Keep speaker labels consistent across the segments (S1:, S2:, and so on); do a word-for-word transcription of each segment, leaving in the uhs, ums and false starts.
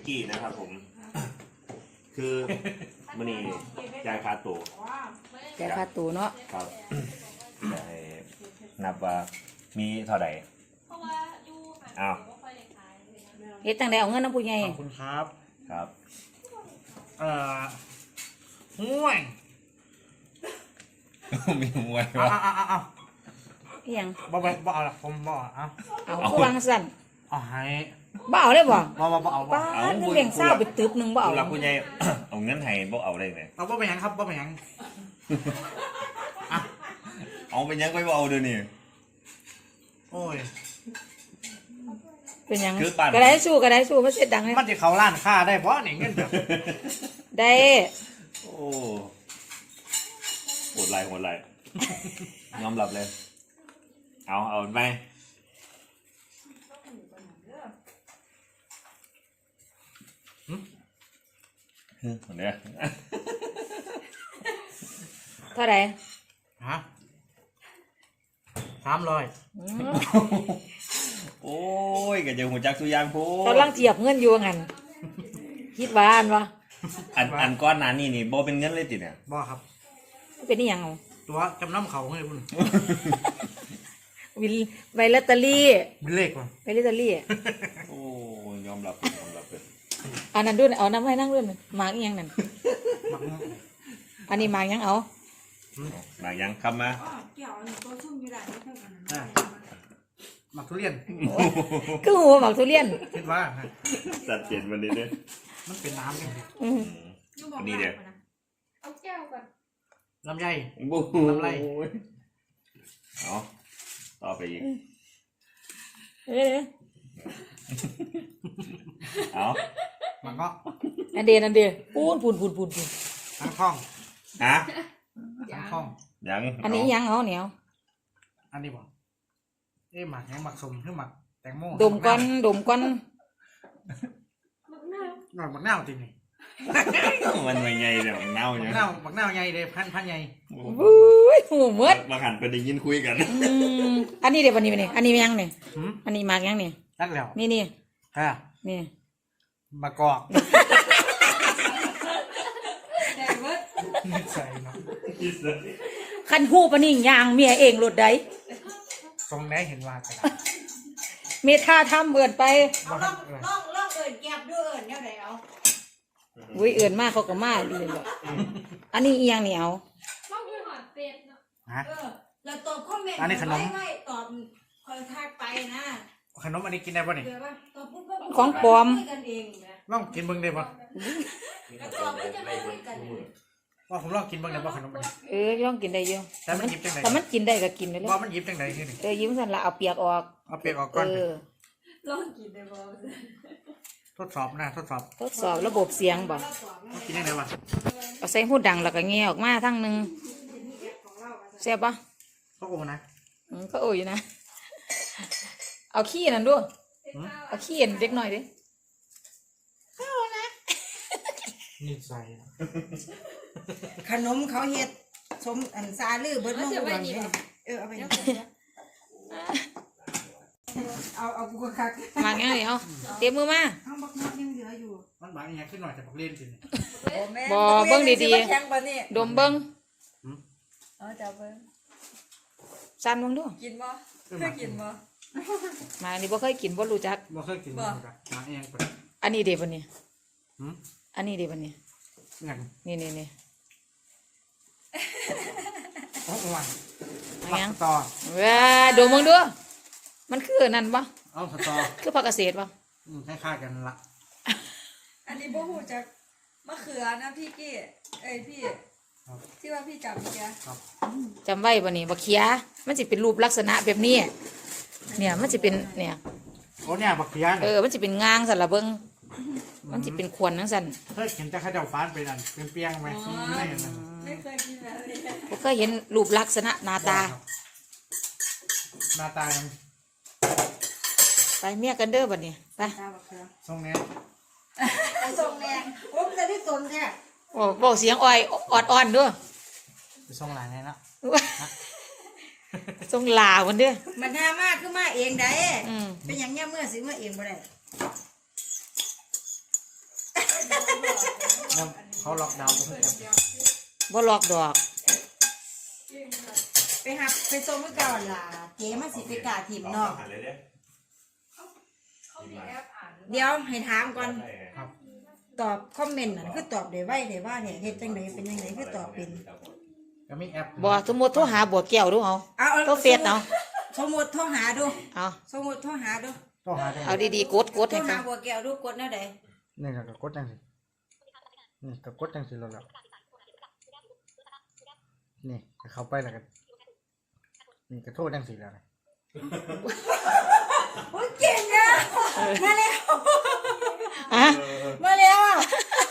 S1: กี้นะครับผมคือมันนี่จ่ายค่าตั๋ว
S2: แต่ค่าตัวเนาะ
S1: ครับได้นับว่ามีเท่าไหร่อ้าว
S2: เฮ็ดจังได๋เอาเงินน้ำผู้ใหญ่
S3: ขอบคุณครับ
S1: ครับ
S3: เอ่อห่วย
S1: มีมวย
S3: เอา
S1: วะ
S3: เอาเอาเอา
S2: อีหยัง
S3: บ่บ่บ่เอาละผมบ่เอาเอา
S2: เอาคือวางสั่น
S3: เอาให้
S2: บ่เอาเลยบ่
S3: บ่บ่บ่เอาบ่
S2: ป้าดเงินแบ่งเศร้าไปตึบหนึงบ่เอา
S1: ผู้หลักผู้ใหญ่ เอาเงินให้บ่เอาได้ไง
S3: เอาบ่เป็นหยังครับบ่เป็นหยังอ่ะ
S1: เอาไปยังไปบ่เอาเดี๋ยวนี้
S3: โอ้ย
S2: เป็นหยัง
S1: คือปั่น
S2: ก็ได้สู้ก็ได้สู้มันเสร็จดังเลย
S3: มันจะเข้าร้านค้าได้บ่นี่เงินแบบ
S2: ได้
S1: โอ้โหดไรโหดไรยอมรับเลย เอาเอาไปคนเนี้ย
S2: เท่าไหร่
S3: ฮะสามร้อย
S2: อืม
S1: โอ้ยก็จะหัวจักสุยางพู
S2: กำลังเทียบเงินอยู่ว่างั้นคิดว่าอันวะ
S1: อันอันก้อนหนั้นนี่นี่บ่เป็นเงินเลยติเนี่ย
S3: บ่ครับ
S2: มันเป็นอีหยังเอา
S3: ตัวจำนำเขาให้คุณ
S2: วิลใบลอตเตอรี่
S3: เป็นเลขว่ะ
S2: ใบลอตเตอรี่
S1: โอ้ยอมรับยอมรับเลย
S2: อันนั้นด้วยเอาน้ำให้นั่งด้วยนั่นหมากอีหยังนั่น
S3: มัก
S2: อันนี้หมากหยังเอา
S1: บางยังคำมา
S3: อ่ะมักทุเรียน
S2: คือหัวหมากทุเรียน
S3: คิดว่าฮะ
S1: สัดเปลี่ยนวันนี้เนี่ย
S3: มันเป็นน้ำกันดิ
S2: อืม
S1: วันนี้เดี๋ยว
S4: เอาแก้วก่อน
S3: ลำไย
S1: บู๊
S3: ทำไร
S1: เอาต่อไปอีก
S2: เอ้ย
S1: เอา
S3: มันก็
S2: อันเดียนอันเดียปูนปูนปูนปูนปูน
S3: ทั้งคล่อง
S1: ฮะ
S3: ทั้งคล่อง
S1: ยัง
S2: อันนี้อีหยังเอาเหนียว
S3: อันนี้บอกเอ๊ะหมักยังหมักสมหรือหมักแตงโม
S2: ดมก้อนดมก้อน
S3: หมักหมักเน่าจริงนี่
S1: มันไม่ไงเดี๋ยวเน่า
S3: หมั
S1: เนี่
S3: ก
S1: ย
S3: เน่าหมักเน่าใหญ่เลยพันพันใหญ่
S2: วุ้ยหูเมืด
S1: มาหันไปได้ยินคุยกัน
S2: อืมอันนี้เดี๋ยววันนี้วันนี้อันนี้ยังเนี่ย
S3: หืม
S2: อันนี้หมากยังเนี่ย
S3: นั่นแล้ว
S2: นี่นี่
S3: ค่ะ
S2: นี่
S3: มะกอก
S4: แต่เบิด
S3: นิสัยเนาะ
S2: คันหูปะนี่ยางเมียเองรถใด
S3: ทรงไหนเห็นว่ากัน
S2: เมท่าทำเอินไป
S4: เอาล่องล่องล่องเอิญแก็บด้วยเอิญเนี่ยไหนเอา
S2: อุ้ยเอินมากเขาก็มาเลยแหละอันนี้อีหยังนี่เอา
S4: ล่องด้วยหอดเป็ดเนาะ
S3: ฮะ
S4: เออแล้วตอบคอมเมนต์
S3: อันนี้ขนม
S4: ไว้ไว้ตอบคอยทักไปนะ
S3: ขนมอันนี้กินได้ป่ะนี่
S4: เดี๋ยวว่าตอบปุ๊บก็
S2: ของปลอม
S4: คุยกันเองนะ
S3: ลองกินเบิ้งได้ป่ะ
S4: แล้วตอบก็จะไม่คุยกันเอง
S3: ว่าผมลองกินเบิ้งได้ป่ะขนมอันนี้
S2: เออย่องกินได้เยอะ
S3: แต่มันหยิบจังไหน
S2: แต่มันกินได้ก็กินไปเลย
S3: ว่ามันหยิบจังไหนที่นี่
S2: เออยิ้มสันละเอาเปียกออก
S3: เอาเปียกออก
S2: เอ
S3: ก่อน
S2: อ
S4: ลองกินได้บ่
S3: ทดสอบนะทดสอบ
S2: ทดสอบระบบเสียงบ่
S3: เอากินยังไงวะ
S2: เอาใส่หูดังแล้วก็แงะออกมาทั้งหนึงแซ่บปะ
S3: ก็โอ้นะ
S2: อืมก็โอ้ยนะ เอาขี้นั่นด้วย
S3: หืม
S2: เอาขี้เห็นเด็กหน่อยดิ
S3: นิสัย
S5: ขนมเขาเฮ็ดสมอันซาลือเบิดน้องก่อนเลยเออเอาไปเอาเอากูก็คัก
S2: มาไงเอาเตรียมมือมา
S5: เอาบักนัดยังเหลืออยู่
S3: มันบางอย่างขึ้นหน่อยแต่บักเล่นจริง
S2: บ่เบิ่งดีๆ
S5: แข็งปะนี่
S2: ดมเบิ้ง
S5: เอาจับเบิ่ง
S2: สั่นเบิ่งดู
S5: กินบ่
S3: ขึ้น
S5: เค
S3: มาย
S5: กินบ่
S2: มานี่บ่เคยกินบ่รู้จัก
S3: บ่เคยกินบ่ครับมาเองไป
S2: อันนี้เด้บัดนี้
S3: หืม
S2: อันนี้เด้บัดนี้
S3: งั้น
S2: นี่นี่นี่
S3: โอ้โหว่ะ
S2: เอายัง
S3: ต่อ
S2: ว้าดมเบิ่งดูมันคือนั่นบ่
S3: เอาสตอ
S2: คือผักเกษตรบ่
S3: อืมคล้ายๆกันละ
S5: อันนี้บ่ฮู้จักมะเขือนะพี่กี้เอ้ยพี่
S3: ครับ
S5: ที่ว่าพี่จับเมื่อกี้
S3: ครับ
S2: จำไว้บ่นี่บ่เขียมันสิเป็นรูปลักษณะแบบนี้เนี่ยมันสิเป็นเนี่ย
S3: โอ้เนี่ยบักเขียน
S2: เออมันสิเป็นงางสั่นล่ะเบิ่งมันสิเป็นขวนจังซั่น
S3: เคยเห็นแต่ข้าวเจ้าฟ้านไปนั่นเป็นเปียงไหมไม่เห็นนั่น
S5: ไม่เคยกินแบบนี้
S2: บ่เคยเห็นรูปลักษณะหน้าตา
S3: หน้าตายัง
S2: ไปเมียกันเด้อบัดนี้ไป
S5: ตาบักเขือ
S3: ทรงนี้
S5: ไอ้ทรงแดงผมจะได้ตนแท้
S2: โอ้บอกเสียงอ่อยออดอ่อนด้วย
S3: ไปทรงหลานไงละ
S2: ทรงลาวันเด้อ
S5: มันหามากคือมาเองได้
S2: อืม
S5: เป็นหยังเนี่ยเมื่อสิมาเองบ่ได้
S3: เขาล็อกดาวน์ก็ไม่แอป
S2: บ่ลอกดอก
S5: ไปหับไปส่งเมื่อก่อนล่ะเก๋มาสิไปกาถิ่มเนาะ
S1: หันเลยเด้
S5: เดี๋ยวให้ถามก่อน
S3: ครับ
S5: ตอบคอมเมนต์นั่นคือตอบได้ไวได้ว่าเนี่ยเฮ็ดจังไดเป็นจังไดคือตอบเป็น
S3: ก็มีแอป
S2: บ่สมมุติโทรหาบัวแก้วดูเอา
S5: เอาเอา
S2: โทรเฟซเอา
S5: สมมุติโทรหาดู
S2: เอา
S5: สมมุติโทรหาดู
S3: ต้องหาได้
S2: เอาดีๆกดกด
S5: โทร
S2: ให้
S5: หา
S2: เขา
S5: บัวแก้วดูกดแนวใด
S3: นี่ก็กดจังสินี่ก็กดจังสิแล้วแล้วนี่ก็เข้าไปแล้วกันนี่ก็โทษจังสิแล้วนะ
S5: โอ้ยเก่งอ่ะมาแล้ว
S2: อ่ะ
S5: มาแล้วอ่ะ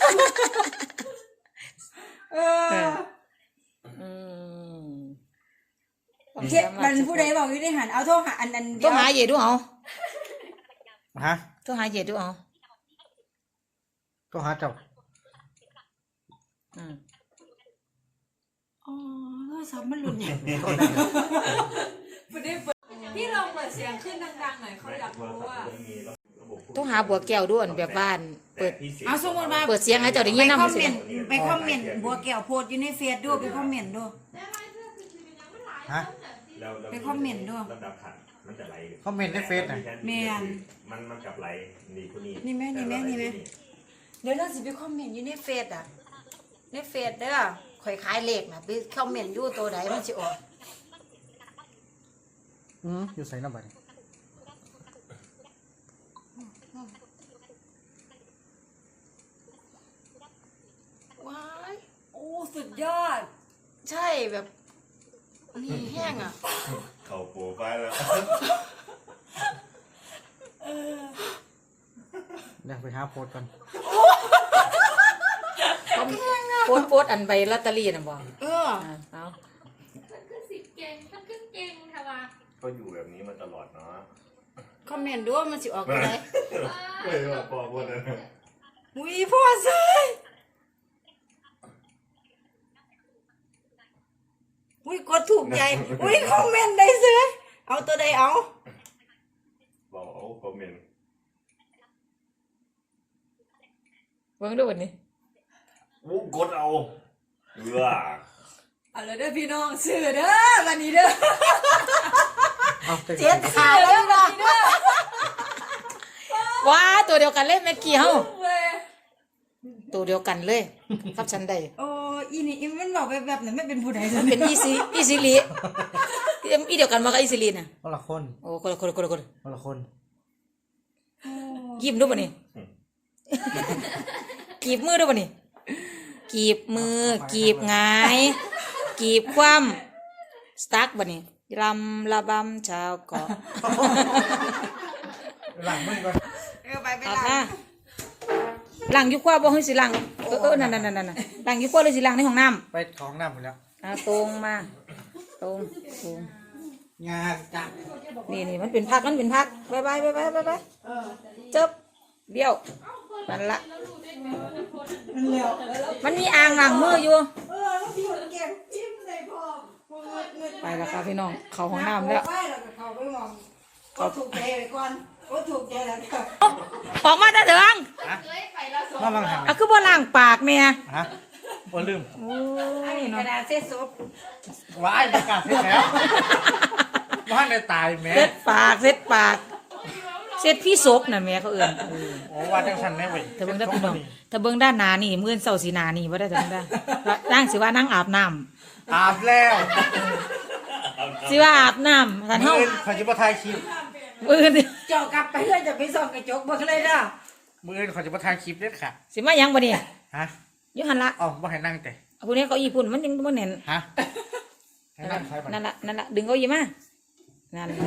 S5: เออ
S2: อืม
S5: เฮ็ดมันผู้ใดบอกอยู่ในหันเอาโทรหาอันนั้น
S2: โทรหาเยดูเอา
S3: ฮะ
S2: โทรหาเยดูเอา
S3: ต้องหาเจ้า
S2: อืม
S5: อ๋อโทรศัพท์มันหลุดใหญ่
S4: พี่ลองเปิดเสียงขึ้นดังๆหน่อยเขาอยากรู้ว่า
S2: โทรหาบัวแก้วด้วยแบบบ้านเปิด
S5: เอาสมมุติว่า
S2: เปิดเสียงให้เจ้าได้
S5: ไป
S2: ยิน
S5: ค
S2: นำ
S5: อม
S2: สิ
S5: เมนต์ไปคอมเมนต์บัวแก้วโพสต์อยู่ในเฟซดูไปคอมเมนต์ดู
S3: ฮะ
S5: ไปคอมเมนต์ด้วย
S1: ลำดับขันมันจะไหล
S3: คอมเมนต์ในเฟซน่ะ
S5: แม่น
S1: มันมันกับไหลนี่คนนี้
S5: นี่แม่นี่แม่นี่แม่เดี๋ยวเราสิไปคอมเมนต์อยู่ในเฟซอ่ะในเฟซเด้อข่อยขายเลขน่ะไปคอมเมนต์อยู่ตัวใดมันสิออก
S3: อืมอยู่ใส่น้ำบัตร
S5: ว้าย
S4: โอ้สุดยอด
S5: ใช่แบบนี่แห้งอ่ะ
S1: เข่าโปรไฟล์แล้ว
S3: เดี๋ยวไปหาโพสต์ก่อน
S2: โพสต์โพสต์อันใบลอตเตอรี่น่ะบ่
S5: เออ
S2: อ่ะเอา
S4: มันคือสิบเก่งมันคือเก่งค่ะว่า
S1: ก็อยู่แบบนี้มาตลอดเนาะ
S5: คอมเมนต์ดูว่ามันสิออกตัวใด
S1: เฮ้ยว่าปอคนนั้น
S5: อุ้ยพ่อเซยอุ้ยกดถูกใจอุ้ยคอมเมนต์ได้เซยเอาตัวใดเอา
S1: บอกเอาคอมเมนต์
S2: เบิ่งดูวันนี้
S1: วู้กดเอาเอือ
S4: เอาเลยเด้อพี่น้องซื้อเด้อวันนี้เด้อ
S3: เอาเจ็
S5: เจ็
S3: ด
S5: ดขาแล้วนะ
S2: ว้าตัวเดียวกันเลยแม่กี้เฮา
S4: เว้ย
S2: ตัวเดียวกันเลยครับฉันได้
S5: โอ้อีนี่อีมันบอกแบบแบบนั้นไม่เป็นผู้ใด
S2: มันเป็นอีซีอีซิลีอีเดียวกันมากับอีซิลีน่ะ
S3: คนละคน
S2: โอ้คนละคนละคนละคน
S3: คนละคน
S2: ยิ้มดูบ่นี่กีบมือดูบ่นี่กีบมือกีบหงายกีบคว่ำสตั๊กบ่นี่รำระบำชาวเกาะ
S3: หลังมือก่อน
S5: เออไปไป
S2: เอา
S5: ละ
S2: ค่ะล้างอยู่คว้าบ่ให้สิล้างเออเออนั่นนั่นนั่นนั่นล้างอยู่คว้าเลยสิล้างในห้องน้ำ
S3: ไปของน้ำหมดแล้ว
S2: อ่าตรงมาตรงตรง
S3: งานจัด
S2: นี่นี่มันเป็นพักมันเป็นพักบายบายบายบายบายบายจบเบี้ยวมันละมันมีอ่างล้างมืออยู่
S5: เออแล้วพี่คนเก็บจิ้มใส่พอ
S2: ไปแล้วค่ะพี่น้องเข้าห้องน้ำแล้ว
S5: ไปแล้วก็เข้าไปมองก็ถูกใจไปก่อนก็ถูกใจแล้วก็
S2: ออกมาได้เถิง
S3: น้องลังหัน
S2: อ่ะคือบ่ล้างปากแม่
S3: ฮะโอ้ลืม
S2: โอ้
S5: อัน
S2: ย
S5: นี้ก
S2: เนาะ
S5: ระดาษเส้นซบ
S3: ว้ายประกาศเสร็จแล้วว่าในตายแม่
S2: เซ็ดปากเซ็ดปากเซ็ดพี่ศกน่ะแม่เขาเอื้อนเออ
S3: โอ้ว่าจังสันแน่เว้ย
S2: ถ้าเบิ่งได้พี่น้องถ้าเบิ่งด้านหน้านี่มื้อเช้าสีหน้านี่บ่ได้ถึงได้นั่งสิว่านั่งอาบน้ำ
S3: อาบแล้ว
S2: สิว่าอาบน้ำท่านเฮา
S3: มือขอจิบถ่ายคลิป
S2: มื้อนี้
S5: เจาะกลับไปเพื่อจะไปส่องกระจกเบิ่งเลยเด้อ
S3: มือขอจิบถ่ายคลิปเด็ดค่ะ
S2: สิมาหยังบ่นี่
S3: ฮะ
S2: อยู่หั่นละ
S3: เอ๋อบ่ให้นั่งแต่
S2: เอาผู้นี้เก้าอี้พุ่นมันยังบ่แน่น
S3: ฮะให้นั่งใช้บัตร
S2: นั่นละนั่นละดึงเก้าอี้มานั่นล่ะ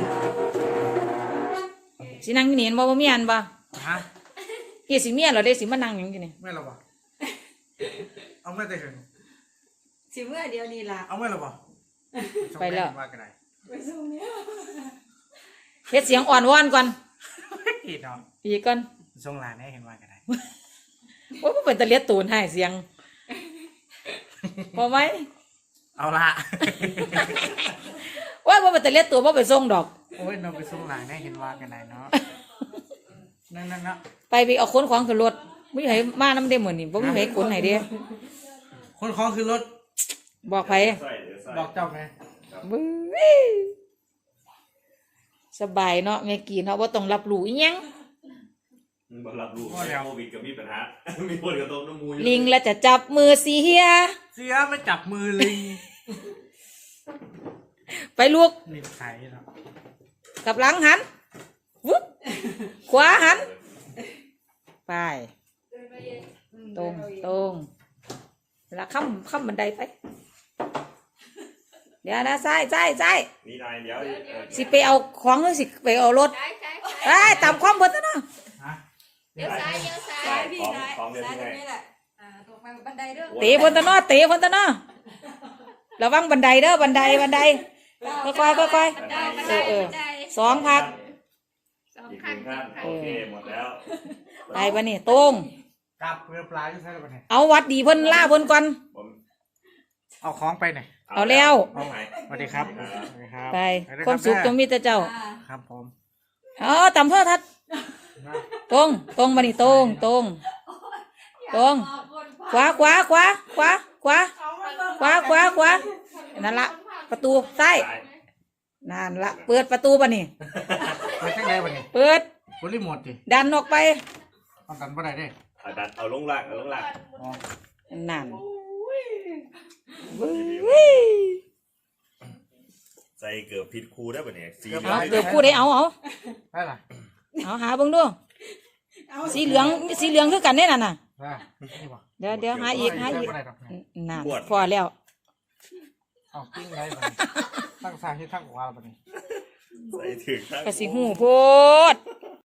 S2: สินั่งอยู่นี่เห็นบ่บ่มีอันบ่
S3: ฮะ
S2: เฮ็ดสิเมียเหรอเด้สิมานั่งหยังอยู่นี่
S3: ไม่หรอบ่เอาไม่ได้ถึง
S5: สิเมื่อเดียวนี้ล่ะ
S3: เอาไม่หรอบ่ว่ากันไหน
S5: ไปส่งเนี่ย
S2: เฮ็ดเสียงอ่อนวอนก่อน
S3: ผิดเนาะ
S2: อีกก่อน
S3: ทรงหลานให้เห็นว่ากันไหน
S2: โอ้ยบ่เป็นตะเลียดตูนให้เสียงพอไหม
S3: เอาละ
S2: ว่าบ่เป็นตะเลียดตัวบ่ไปส่งดอก
S3: โอ้ยเราไปทรงหลานให้เห็นว่ากันไหนเนาะนั่นนั่นเนาะ
S2: ไปไปเอาคนของขึ้นรถบ่มีไผมานํเด้มื้อนี้บ่มีไผขนให้เด้
S3: คนของคือรถ
S2: บอกไผ
S1: ใส่เดี๋ยวใส่
S3: บอกเจ้าไง
S2: บึ้ยสบายเนาะแม่กี้เนาะบ่ต้องรับรู้อีหยัง
S1: มึงบ่รับรู้โควิดก็มีปัญหา มีคนกระต้มน้ำมู
S2: ลิงแล้วจะจับมือเสีย
S3: เสียไม่จับมือลิง
S2: ไปลูก
S3: ลิงไข่เนาะ
S2: กลับหลังหันวุ๊บขวาหันไปตรงตรงแล้วข้ามข้ามบันไดไปเดี๋ยวนะซ้ายซ้ายซ้าย
S1: นี่นายเดี๋ยว
S2: สิไปเอาของหรือสิไปเอารถ
S4: ใช่ใช่
S2: ไอ้ยตามความเบิดซะเนาะ
S3: ฮะ
S4: เดี๋ยวซ้ายเดี๋ยวซ้ายพี่ซ้ายซ้ายตรงนี้แหละอ่าตรงไปบันไดเด้อ
S2: เตะบนตะเนอเตะบนตะเนอระวังบันไดเด้อบันไดบันไดค่อยๆค่อย
S4: บันไดบัน
S2: ๆ
S4: ได
S2: เออเออ
S4: บันได
S2: สองพัก
S4: สอง
S1: อีกห
S4: ขั้น
S1: นึ่งขั้นโอเคหมดแล้ว
S2: ไปปะนี่ตรง
S3: กลับเรือปลาอยู่ใช่ไหมเนี่ย
S2: เอาวัดดีเพิ่นล่าเพิ่นก่อน
S1: ผม
S3: เอาของไปหน่อย
S2: เอาแล้ว
S1: เอาไหน
S3: สวัสดีครับสวัสดีครับ
S2: ไป
S3: สวัสดีรับ
S2: ความสุขจงมีแต่เจ้า
S4: อ่า
S3: ครับผม
S2: เออตามเพื่อทัดตรงตรงมานี่ตรงตรงตรงขวาขวาขวาขวาขวาขวาขวาขวานั่นละประตูซ้ายนั่นละเปิดประตูปะนี่
S3: ไปข้างในวันนี้
S2: เปิด
S3: บริโมทดิ
S2: ดันออกไป
S3: เอากันบ่ได้เด้
S1: เอาดันเอาลงล่างเอาลงล่าง
S3: อ๋อ
S2: นั่นวิ้ย
S1: ใส่เกือบผิดครูได้ป่ะเนี่ยสี
S2: เอาเกือบพูดได้เอาเอา
S3: ได้ล่ะ
S2: เอาหาเบิ่งดูสีเหลืองสีเหลืองคือกันแน่น่ะน่ะ
S3: ได้นี่บ่
S2: เดี๋ยวเดี๋ยวหาอีกหาอีก
S3: บ่ได้ดอกเนี่ย
S2: นั่นพอแล้ว
S3: เอาปิ้งได้บ่นี่ตั้งซ้ายที่ตั้งขวาแล้วบ่นี่
S1: ใส่ถึงข้าง
S2: กระสิหูโพด